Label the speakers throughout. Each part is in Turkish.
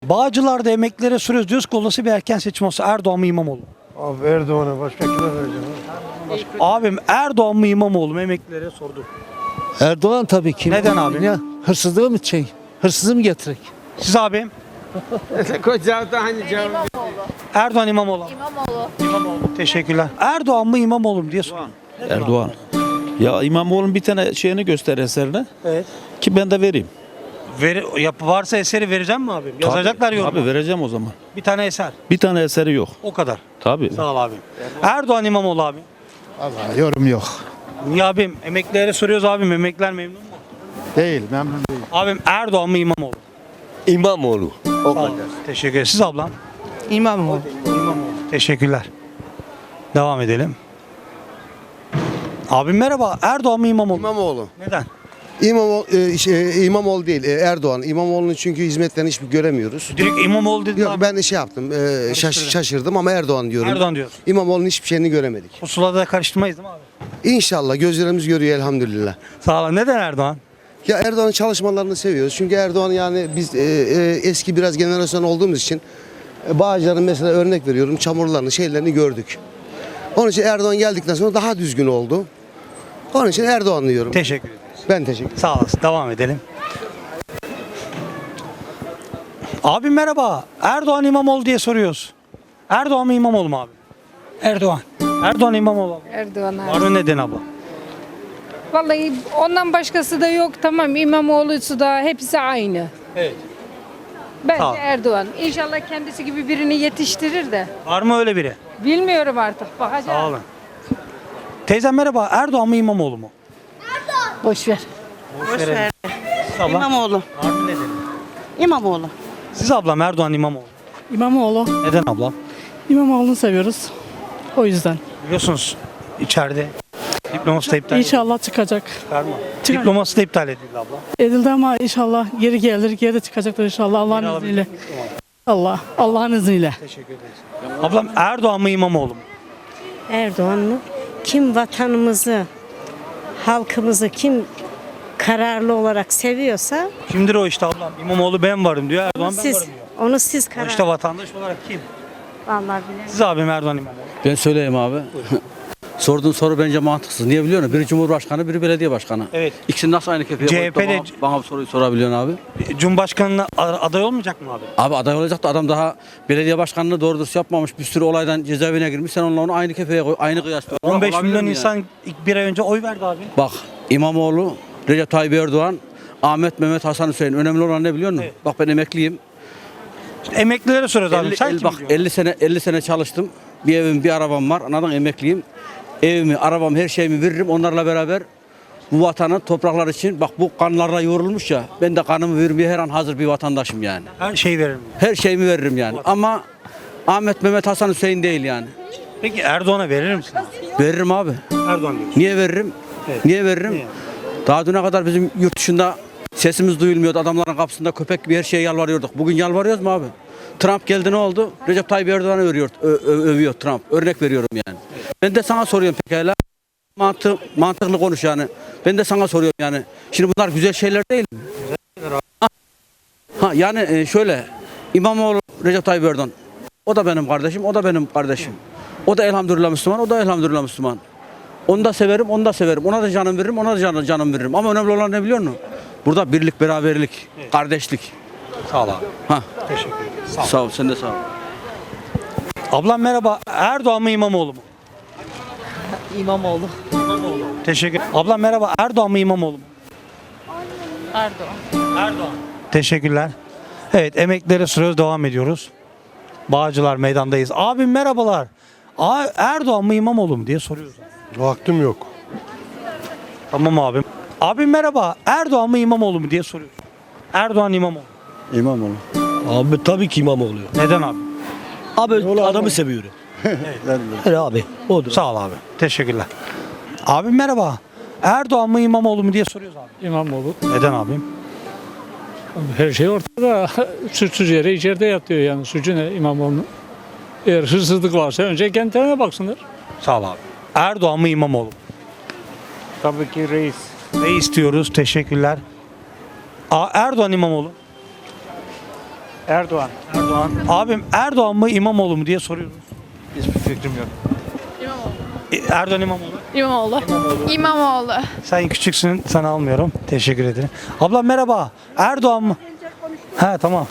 Speaker 1: Bağcılar'da emeklilere soruyoruz. Diyoruz ki olası bir erken seçim olsa Erdoğan mı İmamoğlu mu?
Speaker 2: Abi Erdoğan'a başka kime vereceğim?
Speaker 1: Abim Erdoğan mı İmamoğlu mu emeklilere sorduk.
Speaker 3: Erdoğan tabii ki.
Speaker 1: Neden abi?
Speaker 3: Ya, hırsızlığı mı hırsızı mı getirek?
Speaker 1: Siz abim? Erdoğan İmamoğlu. İmamoğlu. Teşekkürler. Erdoğan mı İmamoğlu mu diye soruyorum.
Speaker 4: Erdoğan. Ya İmamoğlu'nun bir tane şeyini göster eserine
Speaker 1: Evet.
Speaker 4: ki ben de vereyim.
Speaker 1: Varsa eseri vereceğim mi abim? Yazacaklar yorum.
Speaker 4: Abi vereceğim o zaman.
Speaker 1: Bir tane eser.
Speaker 4: Bir tane eseri yok.
Speaker 1: O kadar.
Speaker 4: Tabii.
Speaker 1: Sağ ol abim. Erdoğan İmamoğlu abi.
Speaker 2: Allah yorum yok.
Speaker 1: Niye abim? Emeklilere soruyoruz abim. Emekliler memnun mu?
Speaker 2: Değil, memnun değil.
Speaker 1: Abim Erdoğan mı İmamoğlu?
Speaker 5: İmamoğlu. O
Speaker 1: Sağ ol. Teşekkür ederim. Siz ablam?
Speaker 6: İmamoğlu.
Speaker 1: Teşekkürler. Devam edelim. Abim merhaba. Erdoğan mı İmamoğlu?
Speaker 5: İmamoğlu.
Speaker 1: Neden?
Speaker 5: İmamoğlu değil, Erdoğan. İmamoğlu'nun çünkü hizmetlerini hiçbir göremiyoruz.
Speaker 1: Direkt İmamoğlu dedin
Speaker 5: Yok
Speaker 1: abi.
Speaker 5: ben şey yaptım, şaşırdım ama Erdoğan diyorum.
Speaker 1: Erdoğan diyoruz.
Speaker 5: İmamoğlu'nun hiçbir şeyini göremedik.
Speaker 1: Pusulada da karıştırmayız değil mi abi?
Speaker 5: İnşallah gözlerimiz görüyor elhamdülillah.
Speaker 1: Sağ olun. Neden Erdoğan?
Speaker 5: Ya Erdoğan'ın çalışmalarını seviyoruz. Çünkü Erdoğan yani biz eski biraz jenerasyon olduğumuz için Bağcılar'ın mesela örnek veriyorum çamurlarını şeylerini gördük. Onun için Erdoğan geldikten sonra daha düzgün oldu. Onun için Erdoğan diyorum.
Speaker 1: Teşekkür ederiz.
Speaker 5: Ben teşekkür ederim.
Speaker 1: Sağ olasın. Devam edelim. Abi merhaba. Erdoğan İmamoğlu diye soruyoruz. Erdoğan mı İmamoğlu mu abi?
Speaker 6: Erdoğan.
Speaker 1: Erdoğan İmamoğlu abi.
Speaker 7: Erdoğan abi.
Speaker 1: Var mı neden abla?
Speaker 7: Vallahi ondan başkası da yok. Tamam İmamoğlu'su da hepsi aynı.
Speaker 1: Evet.
Speaker 7: Bence
Speaker 1: Sağ ol.
Speaker 7: Erdoğan. İnşallah kendisi gibi birini yetiştirir de.
Speaker 1: Var mı öyle biri?
Speaker 7: Bilmiyorum artık. Bakacağız.
Speaker 1: Sağ olun. Teyzem merhaba. Erdoğan mı İmamoğlu mu?
Speaker 6: Boş ver.
Speaker 1: Boş ver. Siz abla?
Speaker 6: İmamoğlu.
Speaker 1: Var mı nedeni?
Speaker 6: İmamoğlu.
Speaker 1: Siz ablam Erdoğan İmamoğlu.
Speaker 6: İmamoğlu.
Speaker 1: Neden ablam?
Speaker 6: İmamoğlu'nu seviyoruz. O yüzden.
Speaker 1: Biliyorsunuz içeride diploması da iptal
Speaker 6: İnşallah çıkacak.
Speaker 1: edildi.
Speaker 6: Çıkar.
Speaker 1: Diploması da iptal edildi abla.
Speaker 6: Edildi ama inşallah geri gelir. Geri de çıkacaktır inşallah Allah'ın
Speaker 1: Geri
Speaker 6: izniyle.
Speaker 1: alabilecek misin?
Speaker 6: Allah'ın izniyle.
Speaker 1: Teşekkür ederiz. Ablam Erdoğan mı İmamoğlu mu?
Speaker 8: Erdoğan mı? Kim vatanımızı, halkımızı kim kararlı olarak seviyorsa
Speaker 1: Kimdir o işte ablam? İmamoğlu ben varım diyor. Erdoğan ben
Speaker 8: siz
Speaker 1: varım diyor.
Speaker 8: onu siz
Speaker 1: O
Speaker 8: karar.
Speaker 1: işte vatandaş olarak kim?
Speaker 8: Vallahi bilemem.
Speaker 1: Siz abim Erdoğan İmamoğlu.
Speaker 9: Ben söyleyeyim abi. Sorduğun soru bence mantıksız. Niye biliyor musun? Biri Cumhurbaşkanı, biri belediye başkanı.
Speaker 1: Evet.
Speaker 9: İkisini nasıl aynı kefeye koyup da
Speaker 1: CHP'de
Speaker 9: bana bu soruyu sorabiliyorsun abi?
Speaker 1: Cumhurbaşkanına aday olmayacak mı abi?
Speaker 9: Abi aday olacak da adam daha belediye başkanlığı doğru dürüst yapmamış. Bir sürü olaydan cezaevine girmiş. Sen onunla onu aynı kefeye koy, aynı kıyas.
Speaker 1: 15
Speaker 9: Olabilir
Speaker 1: milyon
Speaker 9: mi
Speaker 1: insan ilk bir ay önce oy verdi abi.
Speaker 9: Bak İmamoğlu, Recep Tayyip Erdoğan, Ahmet Mehmet Hasan Hüseyin. Önemli olan ne biliyor musun?
Speaker 1: Evet.
Speaker 9: Bak ben emekliyim.
Speaker 1: Emeklilere soruyoruz abi. Sen kim
Speaker 9: Bak
Speaker 1: biliyorsun?
Speaker 9: 50 sene çalıştım. Bir evim, bir arabam var. Anladın emekliyim. Evimi, arabam, her şeyimi veririm. Onlarla beraber bu vatanın topraklar için bak bu kanlarla yoğrulmuş ya. Ben de kanımı vermeye her an hazır bir vatandaşım yani.
Speaker 1: Her şeyi veririm.
Speaker 9: Her şeyimi veririm yani. Ama Ahmet Mehmet Hasan Hüseyin değil yani.
Speaker 1: Peki Erdoğan'a verir misin?
Speaker 9: Veririm abi.
Speaker 1: Erdoğan diyor.
Speaker 9: Niye veririm?
Speaker 1: Evet.
Speaker 9: Niye veririm?
Speaker 1: Niye?
Speaker 9: Daha düne kadar bizim yurt dışında sesimiz duyulmuyordu. Adamların kapısında köpek gibi her şeye yalvarıyorduk. Bugün yalvarıyoruz mu abi? Trump geldi ne oldu? Recep Tayyip Erdoğan'ı övüyor Trump. Örnek veriyorum yani. Ben de sana soruyorum pekala. Mantıklı konuş yani. Ben de sana soruyorum yani. Şimdi bunlar güzel şeyler değil mi? Ha yani şöyle İmamoğlu, Recep Tayyip Erdoğan. O da benim kardeşim, o da benim kardeşim. O da elhamdülillah Müslüman, o da elhamdülillah Müslüman. Onu da severim, onu da severim. Ona da canım veririm, ona da canım veririm. Ama önemli olan ne biliyor musun? Burada birlik, beraberlik, kardeşlik.
Speaker 1: Sağ ol abi.
Speaker 9: Ha.
Speaker 1: Teşekkür ederim.
Speaker 9: Sağ ol, sen de sağ ol.
Speaker 1: Ablam merhaba. Erdoğan mı İmamoğlu mu?
Speaker 6: İmamoğlu.
Speaker 1: Teşekkür. Ablam merhaba. Erdoğan mı İmamoğlu mu?
Speaker 7: Erdoğan.
Speaker 1: Erdoğan. Teşekkürler. Evet emeklilere soruyoruz. Devam ediyoruz. Bağcılar meydandayız. Abim merhabalar. Erdoğan mı İmamoğlu mu diye soruyoruz.
Speaker 2: Vaktim yok.
Speaker 1: Tamam abim. Abim merhaba. Erdoğan mı İmamoğlu mu diye soruyoruz. Erdoğan İmamoğlu.
Speaker 5: İmamoğlu.
Speaker 10: Abi tabii ki İmamoğlu.
Speaker 1: Neden abi?
Speaker 10: Abi adamı seviyorum. Evet abi. Odur.
Speaker 1: Sağ ol abi. Teşekkürler. Abim merhaba. Erdoğan mı İmamoğlu mu diye soruyoruz abi.
Speaker 11: İmamoğlu.
Speaker 1: Neden abim?
Speaker 11: Her şey ortada. Suçsuz yere içeride yatıyor yani. Suçu ne İmamoğlu'nun? Eğer hırsızlık varsa önce kendilerine baksınlar.
Speaker 1: Sağ ol abi. Erdoğan mı İmamoğlu mu?
Speaker 11: Tabii ki reis.
Speaker 1: Ne istiyoruz? Teşekkürler. Erdoğan İmamoğlu.
Speaker 11: Erdoğan.
Speaker 1: Erdoğan. Abim Erdoğan mı İmamoğlu mu diye soruyoruz.
Speaker 10: Hiçbir fikrim yok.
Speaker 1: Erdoğan İmamoğlu.
Speaker 7: İmamoğlu. İmamoğlu.
Speaker 1: Sen küçüksün, sana almıyorum. Teşekkür ederim. Ablam merhaba. Erdoğan mı? He tamam.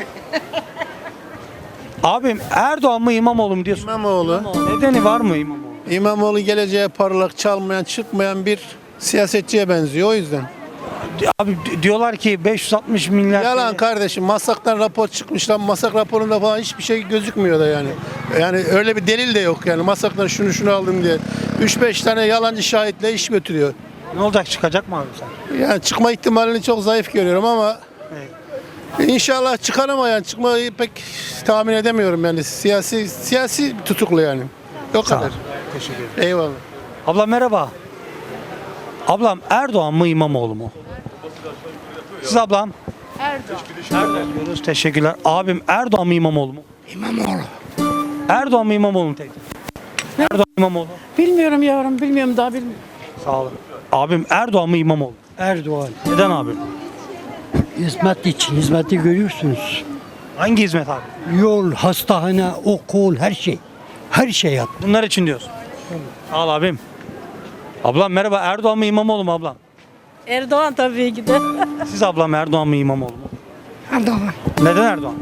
Speaker 1: Abim Erdoğan mı İmamoğlu mu diye soruyoruz.
Speaker 2: İmamoğlu.
Speaker 1: Nedeni var mı İmamoğlu?
Speaker 2: İmamoğlu geleceğe parlak, çalmayan, çıkmayan bir siyasetçiye benziyor o yüzden.
Speaker 1: Abi diyorlar ki 560 milyar.
Speaker 2: Yalan
Speaker 1: TL.
Speaker 2: kardeşim. Masaktan rapor çıkmış lan. Masak raporunda falan hiçbir şey gözükmüyor da yani. Yani öyle bir delil de yok yani. Masaktan şunu aldım diye. 3-5 tane yalancı şahitle iş götürüyor.
Speaker 1: Ne olacak, çıkacak mı abi sen?
Speaker 2: Yani çıkma ihtimalini çok zayıf görüyorum ama İnşallah çıkar ama yani çıkmayı pek tahmin edemiyorum yani. Siyasi tutuklu yani. O
Speaker 1: Sağ ol.
Speaker 2: kadar.
Speaker 1: Teşekkür ederim.
Speaker 2: Eyvallah.
Speaker 1: Ablam merhaba. Ablam Erdoğan mı İmamoğlu mu? Siz ablam? Erdoğan diyoruz. Teşekkürler. Abim Erdoğan mı İmamoğlu mu?
Speaker 3: İmamoğlu.
Speaker 1: Erdoğan mı İmamoğlu mu teyze? Erdoğan İmamoğlu.
Speaker 6: Bilmiyorum yavrum, bilmiyorum daha bilmiyorum.
Speaker 1: Sağ olun. Abim Erdoğan mı İmamoğlu?
Speaker 3: Erdoğan.
Speaker 1: Neden abim?
Speaker 3: Hizmet için, hizmeti görüyorsunuz.
Speaker 1: Hangi hizmet abi?
Speaker 3: Yol, hastane, okul, her şey. Her şey yap.
Speaker 1: Bunlar için diyorsun. Sağ ol abim. Ablam merhaba. Erdoğan mı İmamoğlu mu ablam?
Speaker 6: Erdoğan tabii ki de.
Speaker 1: Siz ablam Erdoğan mı İmamoğlu mu?
Speaker 3: Erdoğan.
Speaker 1: Neden Erdoğan?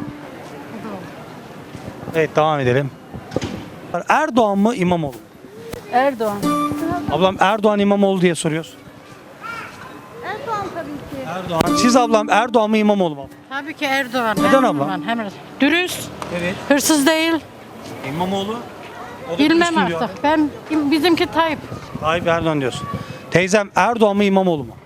Speaker 1: Evet devam edelim. Erdoğan mı İmamoğlu mu?
Speaker 6: Erdoğan.
Speaker 1: Ablam Erdoğan İmamoğlu diye soruyoruz.
Speaker 8: Erdoğan tabii ki.
Speaker 1: Erdoğan. Siz ablam Erdoğan mı İmamoğlu mu?
Speaker 6: Tabii ki Erdoğan.
Speaker 1: Neden abla?
Speaker 6: Dürüst,
Speaker 1: Evet.
Speaker 6: hırsız değil.
Speaker 1: İmamoğlu. O da
Speaker 6: Bilmem
Speaker 1: üstün diyor.
Speaker 6: artık. Bizimki Tayyip.
Speaker 1: Tayyip Erdoğan diyorsun. Teyzem Erdoğan mı İmamoğlu mu?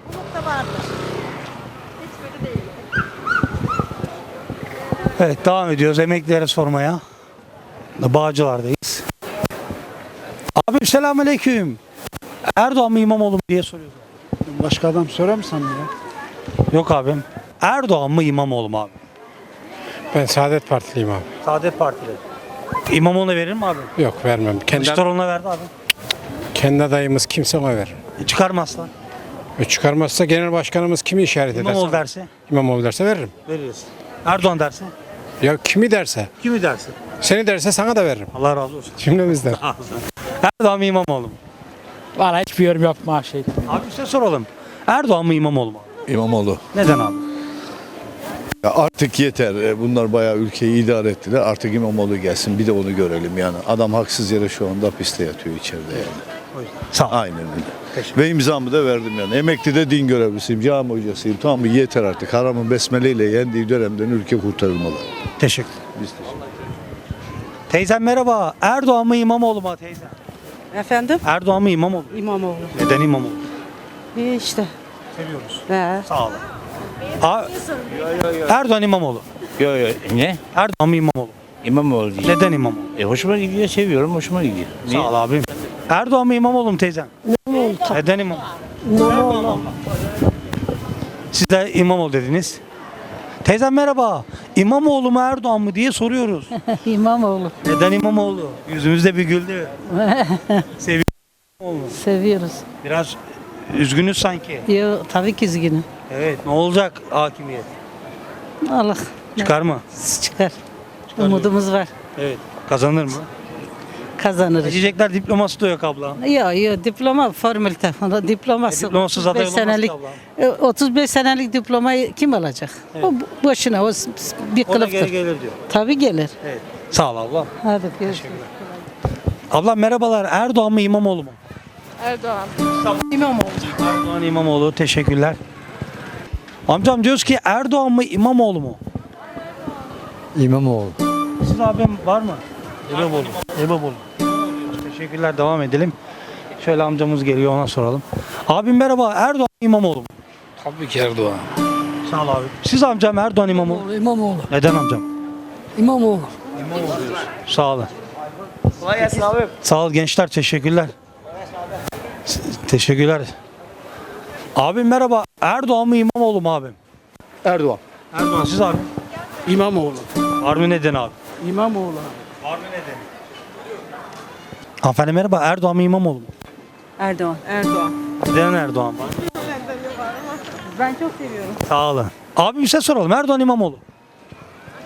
Speaker 1: Evet devam ediyoruz emeklilere sormaya. Bağcılar'dayız. Abim selamünaleyküm. Erdoğan mı İmamoğlu mu diye soruyoruz.
Speaker 3: Başka adam sorar mı sana ya?
Speaker 1: Yok abim. Erdoğan mı İmamoğlu mu abi?
Speaker 2: Ben Saadet Partiliyim abi.
Speaker 1: Saadet Partili. İmamoğlu'na verir mi abi?
Speaker 2: Yok vermem.
Speaker 1: Kılıçdaroğlu'na verdi abi.
Speaker 2: Kendi adayımız kimse ona ver.
Speaker 1: Çıkarmazsa.
Speaker 2: Çıkarmazsa genel başkanımız kimi işaret ederse.
Speaker 1: İmamoğlu derse
Speaker 2: İmamoğlu derse veririm.
Speaker 1: veririz. Erdoğan derse.
Speaker 2: Ya kimi derse.
Speaker 1: Kimi derse?
Speaker 2: Seni derse sana da veririm.
Speaker 1: Allah razı olsun.
Speaker 2: Cümlemizden.
Speaker 1: Erdoğan mı İmamoğlu mu?
Speaker 11: Valla hiçbir yorum yapma şey.
Speaker 1: Abi size soralım. Erdoğan mı İmamoğlu mu?
Speaker 10: İmamoğlu.
Speaker 1: Neden abi?
Speaker 10: Ya artık yeter. Bunlar bayağı ülkeyi idare ettiler. Artık İmamoğlu gelsin. Bir de onu görelim yani. Adam haksız yere şu anda hapiste yatıyor içeride yani.
Speaker 1: Sağ ol.
Speaker 10: Aynen öyle. Ve imzamı da verdim yani. Emekli de din görevlisiyim, cami hocasıyım. Tamam mı? Yeter artık. Haramın besmeleyle yendiği dönemden ülke kurtarılmalı.
Speaker 1: Teşekkür.
Speaker 10: Biz teşekkür
Speaker 1: Teyzem merhaba. Erdoğan mı İmamoğlu mu teyzem?
Speaker 6: Efendim?
Speaker 1: Erdoğan mı İmamoğlu?
Speaker 6: İmamoğlu.
Speaker 1: Neden İmamoğlu?
Speaker 6: İyi işte.
Speaker 1: Seviyoruz.
Speaker 6: He.
Speaker 1: Sağ olun. Erdoğan İmamoğlu.
Speaker 4: Ne?
Speaker 1: Erdoğan mı İmamoğlu?
Speaker 4: İmamoğlu diye.
Speaker 1: Neden İmamoğlu?
Speaker 4: Hoşuma gidiyor, seviyorum, hoşuma gidiyor.
Speaker 1: Sağ ol abim. Erdoğan mı İmamoğlu mu teyzem? İmamoğlu. Neden İmamoğlu? İmamoğlu. Siz de İmamoğlu dediniz. Teyzem merhaba. İmamoğlu mu Erdoğan mı diye soruyoruz.
Speaker 6: İmamoğlu.
Speaker 1: Neden İmamoğlu? Yüzümüzde bir güldü. Seviyorum İmamoğlu.
Speaker 6: Seviyoruz.
Speaker 1: Biraz üzgünüz sanki.
Speaker 6: Yo, tabii ki üzgünüm.
Speaker 1: Evet ne olacak hakimiyet?
Speaker 6: Allah
Speaker 1: Çıkar mı?
Speaker 6: çıkar. Umudumuz var.
Speaker 1: Evet. Kazanır mı?
Speaker 6: Kazanırız.
Speaker 1: Seçecekler diploması da yok abla.
Speaker 6: Yok diploma formülite falan diploması.
Speaker 1: Diplomasız aday
Speaker 6: 35
Speaker 1: olamaz ki
Speaker 6: senelik
Speaker 1: abla.
Speaker 6: 35 senelik diplomayı kim alacak? O boşuna o bir
Speaker 1: O da geri
Speaker 6: kılıftır.
Speaker 1: gelir diyor.
Speaker 6: Tabii gelir.
Speaker 1: Evet. Sağ ol abla.
Speaker 6: Hadi görüşürüz.
Speaker 1: Abla merhabalar. Erdoğan mı İmamoğlu mu?
Speaker 7: Erdoğan.
Speaker 6: İmamoğlu.
Speaker 1: Erdoğan İmamoğlu. Teşekkürler. Amcam diyoruz ki Erdoğan mı İmamoğlu mu?
Speaker 3: İmamoğlu.
Speaker 1: Siz abim var mı? İmamoğlu. İmamoğlu. Teşekkürler. Devam edelim. Şöyle amcamız geliyor ona soralım. Abim merhaba. Erdoğan mı İmamoğlu mu?
Speaker 3: Tabii ki Erdoğan.
Speaker 1: Sağ ol abi. Siz amcam Erdoğan İmamoğlu.
Speaker 3: İmamoğlu.
Speaker 1: Neden amcam?
Speaker 3: İmamoğlu.
Speaker 1: Sağ olun. Kolay gelsin abi. Sağ ol gençler. Teşekkürler. Teşekkürler. Abim merhaba. Erdoğan mı İmamoğlu mu abim?
Speaker 2: Erdoğan.
Speaker 1: Erdoğan siz abi.
Speaker 3: İmamoğlu.
Speaker 1: Var mı neden abi?
Speaker 3: İmamoğlu.
Speaker 1: Var mı nedeni? Hanımefendi merhaba. Erdoğan mı İmamoğlu mu?
Speaker 6: Erdoğan. Erdoğan.
Speaker 1: Neden Erdoğan var?
Speaker 6: Ben çok seviyorum.
Speaker 1: Sağ olun. Abi bir şey soralım. Erdoğan İmamoğlu.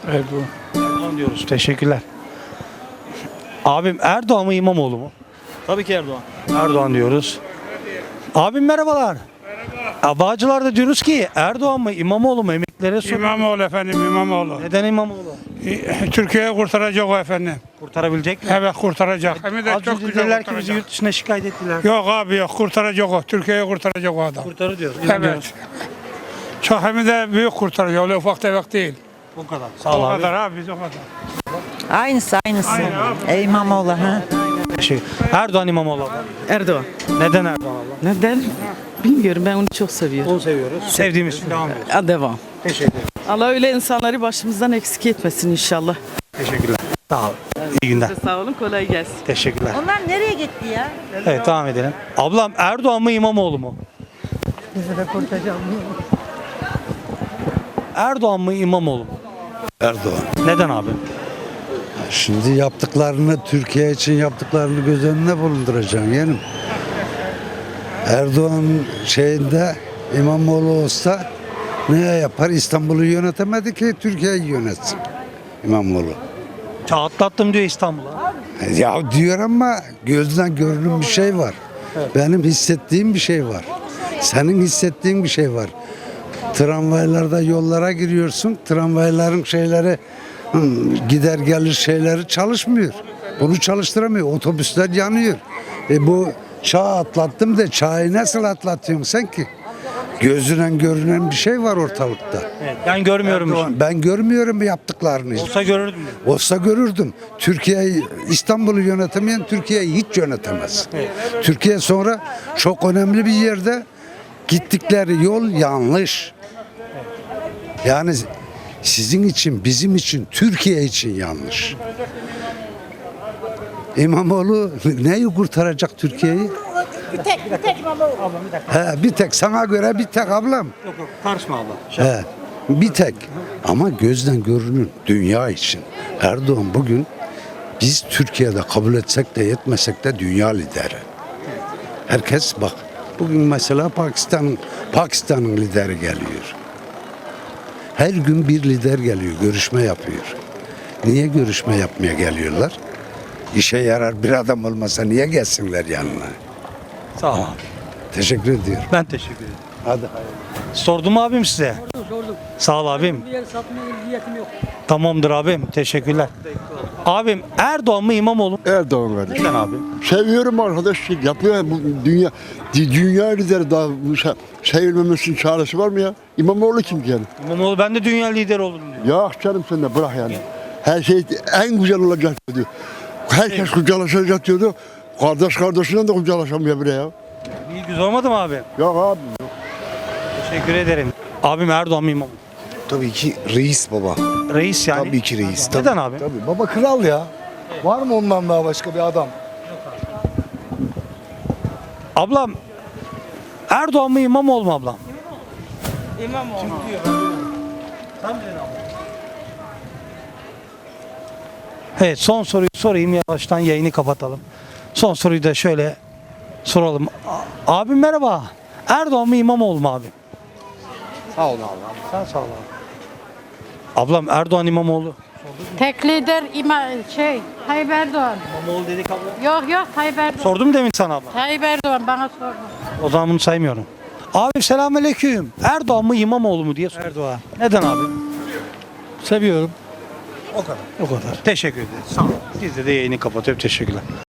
Speaker 11: Erdoğan.
Speaker 1: Erdoğan diyoruz. Teşekkürler. Abim Erdoğan mı İmamoğlu mu?
Speaker 4: Tabii ki Erdoğan.
Speaker 1: Erdoğan diyoruz. Abim merhabalar. Merhaba. Bağcılar'da diyoruz ki Erdoğan mı İmamoğlu mu, emeklilere soruyoruz.
Speaker 11: İmamoğlu efendim, İmamoğlu.
Speaker 1: Neden İmamoğlu?
Speaker 11: Türkiye'yi kurtaracak o efendim.
Speaker 1: Kurtarabilecek mi?
Speaker 11: Evet, kurtaracak. Hem de
Speaker 1: Az
Speaker 11: çok
Speaker 1: önce
Speaker 11: güzel
Speaker 1: dediler ki bizi
Speaker 11: kurtaracak.
Speaker 1: yurt dışına şikayet ettiler.
Speaker 11: Yok abi yok, kurtaracak o. Türkiye'yi kurtaracak o adam.
Speaker 1: Kurtarır diyoruz.
Speaker 11: Evet. Çok hem de büyük kurtaracak. Öyle ufak tefek değil.
Speaker 1: O kadar. Sağ ol
Speaker 11: O
Speaker 1: abi.
Speaker 11: kadar abi, biz o kadar.
Speaker 6: Aynısı. İmamoğlu ha.
Speaker 1: Teşekkür. Erdoğan İmamoğlu abla.
Speaker 6: Erdoğan.
Speaker 1: Neden Erdoğan abla?
Speaker 6: Neden? Bilmiyorum, ben onu çok seviyorum.
Speaker 1: Onu seviyoruz. Sevdiğimiz için devam ediyoruz.
Speaker 6: Devam.
Speaker 1: Teşekkür ederim.
Speaker 6: Allah öyle insanları başımızdan eksik etmesin inşallah.
Speaker 1: Teşekkürler. Sağ ol. İyi günler.
Speaker 6: Sağ olun, kolay gelsin.
Speaker 1: Teşekkürler.
Speaker 8: Onlar nereye gitti ya?
Speaker 1: Evet, devam edelim. Ablam Erdoğan mı İmamoğlu mu? Erdoğan mı İmamoğlu mu?
Speaker 3: Erdoğan.
Speaker 1: Neden abi?
Speaker 3: Şimdi yaptıklarını, Türkiye için yaptıklarını göz önüne bulunduracaksın yeğenim. Erdoğan şeyinde İmamoğlu olsa ne yapar? İstanbul'u yönetemedi ki Türkiye'yi yönetsin İmamoğlu.
Speaker 1: Çağ atlattım diyor İstanbul'a.
Speaker 3: Ya diyor ama gözden görünüm bir şey var. Benim hissettiğim bir şey var. Senin hissettiğin bir şey var. Tramvaylarda yollara giriyorsun. Tramvayların şeyleri gider gelir şeyleri çalışmıyor. Bunu çalıştıramıyor. Otobüsler yanıyor. Bu çağ atlattım da çağı nasıl atlatıyorsun sen ki? Gözünden görünen bir şey var ortalıkta.
Speaker 1: Evet, ben görmüyorum.
Speaker 3: Erdoğan, ben görmüyorum yaptıklarını.
Speaker 1: Olsa görürdüm.
Speaker 3: Olsa görürdüm. Türkiye'yi, İstanbul'u yönetemeyen Türkiye'yi hiç yönetemez. Türkiye sonra çok önemli bir yerde gittikleri yol yanlış. Yani sizin için, bizim için, Türkiye için yanlış. İmamoğlu neyi kurtaracak Türkiye'yi?
Speaker 8: Bir tek İmamoğlu.
Speaker 3: He, bir tek sana göre bir tek ablam.
Speaker 1: Yok karışma abla.
Speaker 3: He, bir tek. Ama gözden görünür dünya için. Erdoğan bugün biz Türkiye'de kabul etsek de yetmesek de dünya lideri. Herkes bak bugün mesela Pakistan'ın lideri geliyor. Her gün bir lider geliyor, görüşme yapıyor. Niye görüşme yapmaya geliyorlar? İşe yarar bir adam olmasa niye gelsinler yanına?
Speaker 1: Sağ ol abi.
Speaker 3: Teşekkür ediyorum.
Speaker 1: Ben teşekkür ederim.
Speaker 3: Hadi.
Speaker 1: Sordum abim size.
Speaker 6: Sordum.
Speaker 1: Sağ ol abim.
Speaker 6: Bir yer satmaya niyetim yok.
Speaker 1: Tamamdır abim. Teşekkürler. Abim Erdoğan mı İmamoğlu mu?
Speaker 2: Erdoğan kardeşim.
Speaker 1: Neden abi?
Speaker 2: Seviyorum arkadaş. Yapıyor bu dünya lideri daha sevilmemesinin çaresi var mı ya? İmamoğlu kim yani?
Speaker 1: İmamoğlu ben de dünya lideri olurum diyor.
Speaker 2: Ya canım sen de bırak yani. Her şey en güzel olacak diyor. Herkes kucaklaşacak diyordu. Kardeş kardeşinden de kucaklaşamıyor bile ya.
Speaker 1: İyi güzel olmadı mı abi?
Speaker 2: Yok abi.
Speaker 1: Teşekkür ederim. Abim Erdoğan mı İmamoğlu?
Speaker 5: Tabii ki reis baba.
Speaker 1: Reis yani.
Speaker 5: Tabii ki reis.
Speaker 1: Neden abi?
Speaker 5: Tabii baba kral ya. Var mı ondan daha başka bir adam?
Speaker 1: Ablam Erdoğan mı İmamoğlu mu ablam?
Speaker 6: İmamoğlu.
Speaker 1: Evet, son soruyu sorayım, yavaştan yayını kapatalım. Son soruyu da şöyle soralım. Abim merhaba. Erdoğan mı İmamoğlu mu abi?
Speaker 5: Sağ ol abi.
Speaker 1: Sen sağ ol abi. Ablam Erdoğan İmamoğlu.
Speaker 7: Tek lider Tayyip Erdoğan.
Speaker 1: İmamoğlu dedik abla.
Speaker 7: Yok Tayyip Erdoğan.
Speaker 1: Sordum demin sana abla.
Speaker 7: Tayyip Erdoğan bana sordu.
Speaker 1: O zaman bunu saymıyorum. Abi selamünaleyküm. Erdoğan mı İmamoğlu mu diye soruyorum.
Speaker 11: Erdoğan.
Speaker 1: Neden abi?
Speaker 11: Seviyorum.
Speaker 1: O kadar. O kadar. Teşekkür ederiz. Sağ olun. Biz de yayını kapatıp teşekkürler.